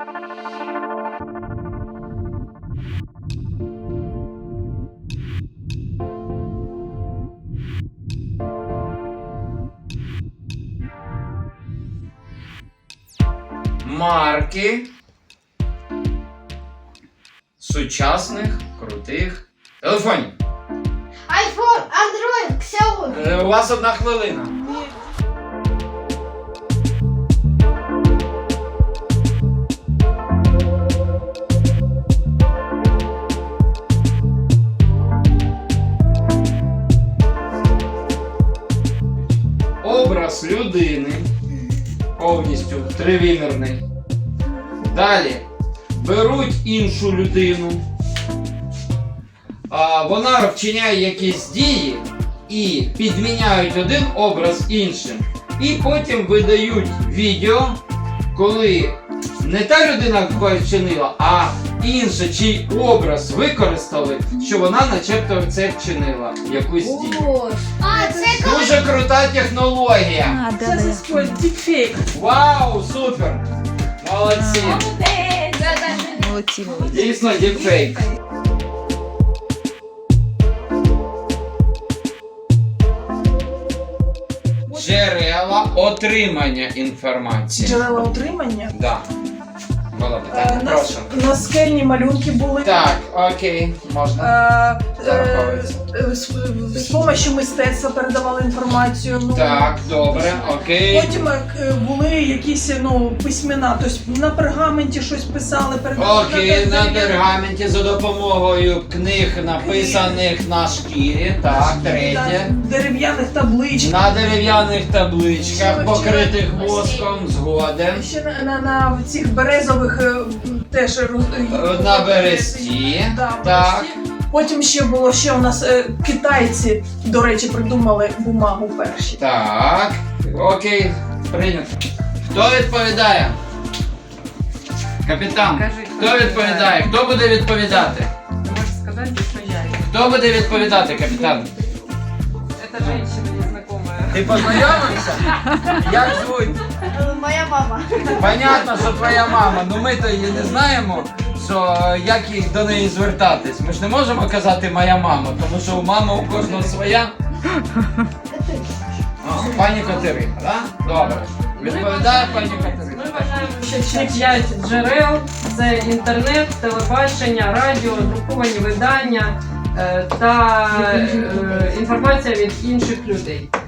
Марки сучасних крутих телефонів. iPhone, Android, Xiaomi. У вас 1 хвилина. Образ людини повністю тривимірний. Далі беруть іншу людину, вона вчиняє якісь дії і підміняють один образ іншим. І потім видають відео, коли не та людина вчинила, а інша, чий образ використали, що вона начебто це вчинила, якусь дію. А, це коли... Дуже крута технологія. Це заспорт, діпфейк. Вау, супер! Молодці! Молодці, молодці. Дійсно, діпфейк. Джерела отримання інформації. Джерела отримання. Да. Було питання, прошу. Наскельні малюнки були. Так, окей, можна. Зараховується. З допомогою мистецтва передавали інформацію. Ну, Так, добре, окей. Потім були якісь письмена, тобто на пергаменті щось писали, передавали. Окей, на пергаменті за допомогою книг, написаних на шкірі. Так, третє. Дерев'яних табличках. На дерев'яних табличках, покритих воском, згоден. Ще на цих березових теж На бересті. Да, Так. Потім ще було, у нас китайці, до речі, придумали бумагу перші. Так. Окей, прийнято. Хто відповідає? Капітан. Кажи, Хто відповідає? Хто буде відповідати? Можешь сказать, что я. Хто буде відповідати, капітан? Это женщина незнакомая. Ти познайомився? Як звуть? Моя мама. Понятно, що твоя мама, ну ми то її не знаємо, що як їх до неї звертатись. Ми ж не можемо казати моя мама, тому що у мами у кожного своя. Пані Катерина, так? Добре. Відповідає пані Катерина. Ми вважаємо, що ці 5 джерел – це інтернет, телебачення, радіо, друковані видання та інформація від інших людей.